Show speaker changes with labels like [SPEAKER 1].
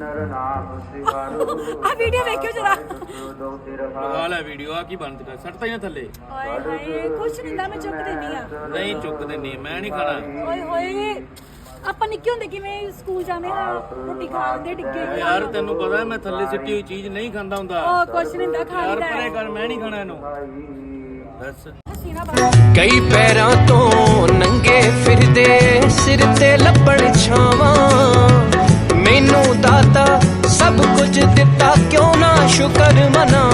[SPEAKER 1] ਆ ਵੀਡੀਓ ਵੇਖਿਓ ਜਰਾ।
[SPEAKER 2] ਲਗਾ ਲੈ ਵੀਡੀਓ। ਆ ਕੀ ਬੰਦ ਕਰ ਸੱਟਦਾ ਹੀ ਨਾ ਥੱਲੇ।
[SPEAKER 1] ਓਏ ਹਾਏ ਕੁਛ ਨਹੀਂ ਹੁੰਦਾ, ਮੈਂ ਚੁੱਕ ਦਿੰਦੀ ਆ।
[SPEAKER 2] ਨਹੀਂ ਚੁੱਕਦੇ ਨਹੀਂ, ਮੈਂ ਨਹੀਂ ਖਾਣਾ।
[SPEAKER 1] ਓਏ ਹੋਏ ਆਪਾਂ ਨਿੱਕੇ ਹੁੰਦੇ ਕਿਵੇਂ ਸਕੂਲ ਜਾਂਦੇ ਨਾ ਰੋਟੀ ਖਾਂਦੇ ਡਿੱਗੇ।
[SPEAKER 2] ਯਾਰ ਤੈਨੂੰ ਪਤਾ ਮੈਂ ਥੱਲੇ ਸਿੱਟੀ ਹੋਈ ਚੀਜ਼ ਨਹੀਂ ਖਾਂਦਾ ਹੁੰਦਾ।
[SPEAKER 1] ਉਹ ਕੁਛ ਨਹੀਂ ਹੁੰਦਾ, ਖਾ
[SPEAKER 2] ਯਾਰ
[SPEAKER 1] ਲੈਂਦਾ
[SPEAKER 2] ਪਰੇ ਕਰ, ਮੈਂ ਨਹੀਂ ਖਾਣਾ ਇਹਨੂੰ। ਬਸ
[SPEAKER 3] ਕਈ ਪੈਰਾਂ ਤੋਂ ਨੰਗੇ ਫਿਰਦੇ ਸਿਰ ਤੇ ਲੱਭਣ ਛਾਵਾਂ, ਮੈਨੂੰ ਦਾਤਾ ਸਭ ਕੁਝ ਦਿੱਤਾ ਕਿਉਂ ਨਾ ਸ਼ੁਕਰ ਮਨਾ।